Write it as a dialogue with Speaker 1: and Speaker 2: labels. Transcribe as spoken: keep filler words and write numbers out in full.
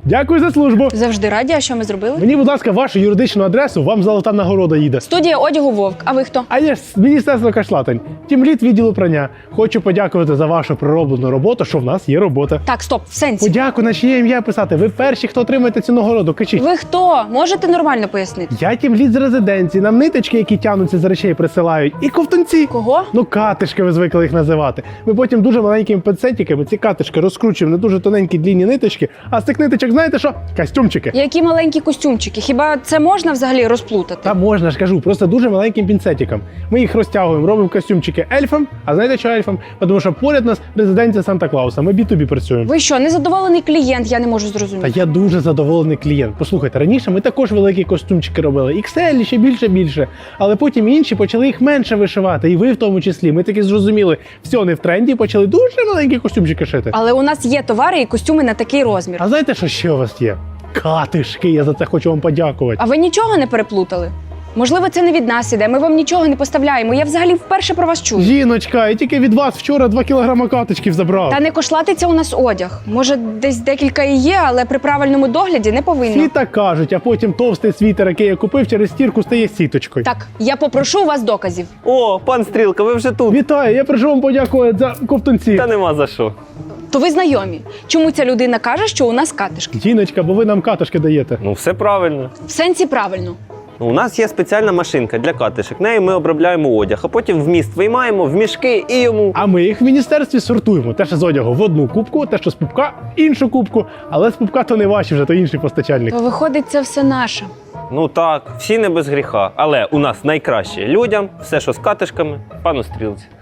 Speaker 1: Дякую за службу.
Speaker 2: Завжди раді, а що ми зробили?
Speaker 1: Мені, будь ласка, вашу юридичну адресу, вам золота нагорода їде.
Speaker 2: Студія одягу Вовк. А ви хто?
Speaker 1: А я ж з Міністерства Кашлатань, тімлід відділу прання. Хочу подякувати за вашу пророблену роботу, що в нас є робота.
Speaker 2: Так, стоп, в сенсі.
Speaker 1: Подяку на чиє ім'я писати. Ви перші, хто отримаєте цю нагороду. Кажіть.
Speaker 2: Ви хто? Можете нормально пояснити?
Speaker 1: Я тімлід з резиденції. Нам ниточки, які тягнуться з речей, присилають. І ковтунці.
Speaker 2: Кого?
Speaker 1: Ну, катишки ви звикли їх називати. Ми потім дуже маленькими пинцетиками ці катишки розкручуємо на дуже тоненькі длінні ниточки. А з цих ниточок, знаєте що? Костюмчики.
Speaker 2: Які маленькі костюмчики. Хіба це можна взагалі розплутати?
Speaker 1: Та можна ж кажу, просто дуже маленьким пінцетиком. Ми їх розтягуємо, робимо костюмчики ельфам. А знаєте, що ельфам? Тому що поряд нас резиденція Санта-Клауса. Ми бі ту бі працюємо.
Speaker 2: Ви що, незадоволений клієнт? Я не можу
Speaker 1: Та
Speaker 2: зрозуміти.
Speaker 1: я дуже задоволений клієнт. Послухайте, раніше ми також великі костюмчики робили. ікс ель ще більше більше. Але потім інші почали їх менше вишивати. І ви в тому числі. Ми таки зрозуміли, все не в тренді, почали дуже маленькі костюмчики шити.
Speaker 2: Але у нас є товари і костюми на такий розмір.
Speaker 1: А знаєте, що ще у вас є? Катишки, я за це хочу вам подякувати.
Speaker 2: А ви нічого не переплутали? Можливо, це не від нас іде, ми вам нічого не поставляємо. Я взагалі вперше про вас чую.
Speaker 1: Жіночка, я тільки від вас вчора два кілограма каточків забрав.
Speaker 2: Та не кошлатиться у нас одяг. Може, десь декілька і є, але при правильному догляді не повинно.
Speaker 1: Всі так кажуть, а потім товстий світер, який я купив, через стірку стає сіточкою.
Speaker 2: Так, я попрошу у вас доказів.
Speaker 3: О, пан Стрілка, ви вже тут.
Speaker 1: Вітаю, я прийшов вам подякувати за ковтунці.
Speaker 3: Та нема за що.
Speaker 2: То ви знайомі. Чому ця людина каже, що у нас катишки?
Speaker 1: Жіночка, бо ви нам катушки даєте.
Speaker 3: Ну, все правильно.
Speaker 2: В сенсі правильно.
Speaker 3: Ну, у нас є спеціальна машинка для катишек. Нею ми обробляємо одяг, а потім вміст виймаємо в мішки і йому.
Speaker 1: А ми їх в міністерстві сортуємо. Те, що з одягу в одну кубку, те, що з пупка в іншу кубку. Але з пупка то не ваші вже, то інший постачальник.
Speaker 2: То виходить, це все наше.
Speaker 3: Ну так, всі не без гріха. Але у нас найкраще людям, все, що з катишками, пану Стрілці.